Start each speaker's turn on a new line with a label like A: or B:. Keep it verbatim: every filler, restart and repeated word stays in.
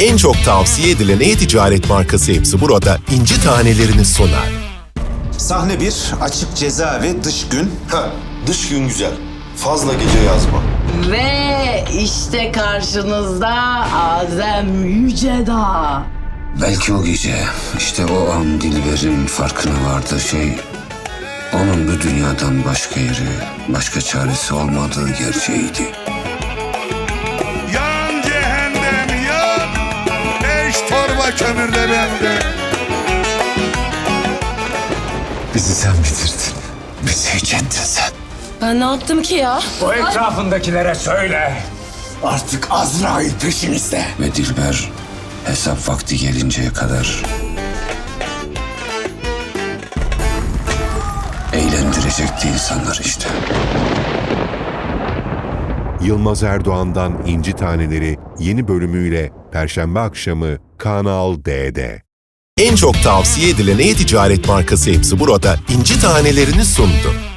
A: En çok tavsiye edilen e-ticaret markası Hepsi Burada inci tanelerini sunar.
B: Sahne bir, açık cezaevi, dış gün.
C: Ha, dış gün güzel. Fazla gece yazma.
D: Ve işte karşınızda Azem Yücedağ.
E: Belki o gece, işte o an Dilber'in farkına vardığı şey... onun bu dünyadan başka yeri, başka çaresi olmadığı gerçeğiydi.
F: Yan cehennem yan, beş torba kömür de bende.
E: Bizi sen bitirdin. Bizi hiç ettin sen.
D: Ben ne yaptım ki ya?
G: O etrafındakilere söyle. Artık Azrail peşimizde.
E: Ve Dilber hesap vakti gelinceye kadar... eğlendirecekti insanlar işte.
A: Yılmaz Erdoğan'dan İnci Taneleri yeni bölümüyle Perşembe akşamı Kanal D'de. En çok tavsiye edilen e-ticaret markası Hepsi Burada inci tanelerini sundu.